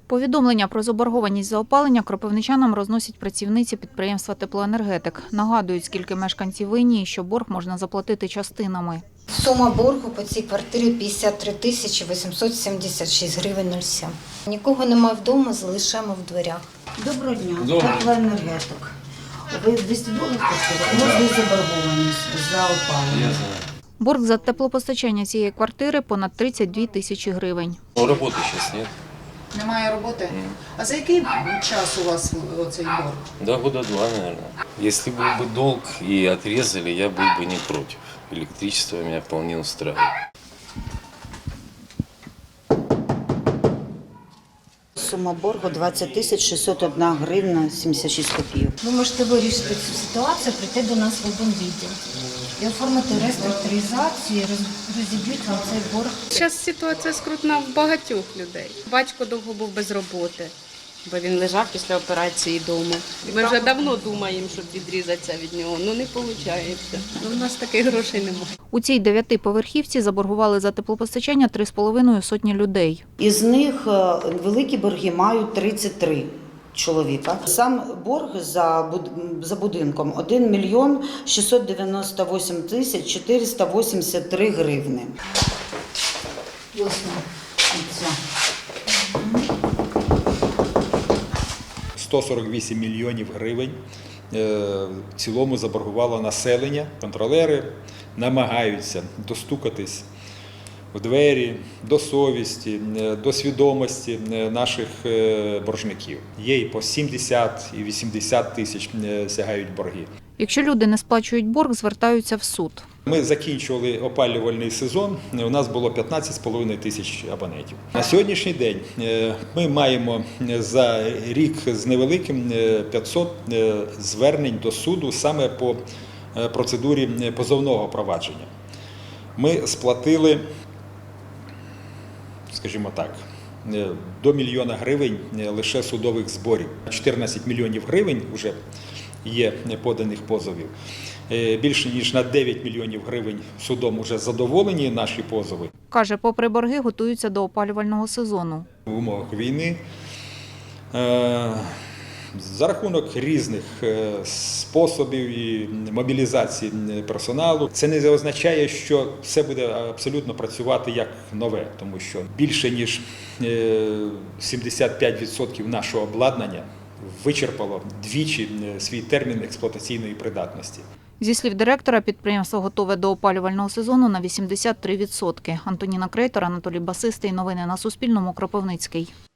Повідомлення про заборгованість за опалення кропивничанам розносять працівниці підприємства «Теплоенергетик». Нагадують, скільки мешканці винні і що борг можна заплатити частинами. Сума боргу по цій квартирі 53 тисячі 876 гривень 07. Нікого немає вдома, залишаємо в дверях. Доброго дня, Теплоенергетик. Ви 200 доларів коштуєте? У вас є заборгованість за опалення. Борг за теплопостачання цієї квартири – понад 32 тисячі гривень. Роботи зараз немає. Немає роботи? А за який час у вас цей борг? Да, года два, наверное. Если был бы долг и отрезали, я был бы не против. Электричество меня вполне устраивает. Сума боргу 20 тисяч 601 гривна 76 копійок. Ви можете вирішити цю ситуацію, прийти до нас в обонвідділ і оформити реструктуризацію, розіб'ють вам цей борг. Зараз ситуація скрутна в багатьох людей. Батько довго був без роботи, бо він лежав після операції вдома. Ми вже давно думаємо, щоб відрізатися від нього, але не виходить. У нас таких грошей немає. У цій 9-поверхівці заборгували за теплопостачання 3,5 сотні людей. Із них великі борги мають 33 чоловіка. Сам борг за будинком 1 мільйон 698 тисяч 483 гривни. Ось ця. 148 мільйонів гривень в цілому заборгувало населення. Контролери намагаються достукатись в двері, до совісті, до свідомості наших боржників. Є і по 70, і 80 тисяч сягають борги. Якщо люди не сплачують борг, звертаються в суд. Ми закінчували опалювальний сезон, у нас було 15,5 тисяч абонентів. На сьогоднішній день ми маємо за рік з невеликим 500 звернень до суду саме по процедурі позовного провадження. Ми сплатили, скажімо так, до мільйона гривень лише судових зборів. 14 мільйонів гривень вже є поданих позовів. Більше ніж на 9 мільйонів гривень судом вже задоволені наші позови. Каже, попри борги, готуються до опалювального сезону. В умовах війни за рахунок різних способів і мобілізації персоналу. Це не означає, що все буде абсолютно працювати як нове, тому що більше ніж 75% нашого обладнання вичерпало двічі свій термін експлуатаційної придатності. Зі слів директора, підприємство готове до опалювального сезону на 83%. Антоніна Крейтор, Анатолій Басистий. Новини на Суспільному. Кропивницький.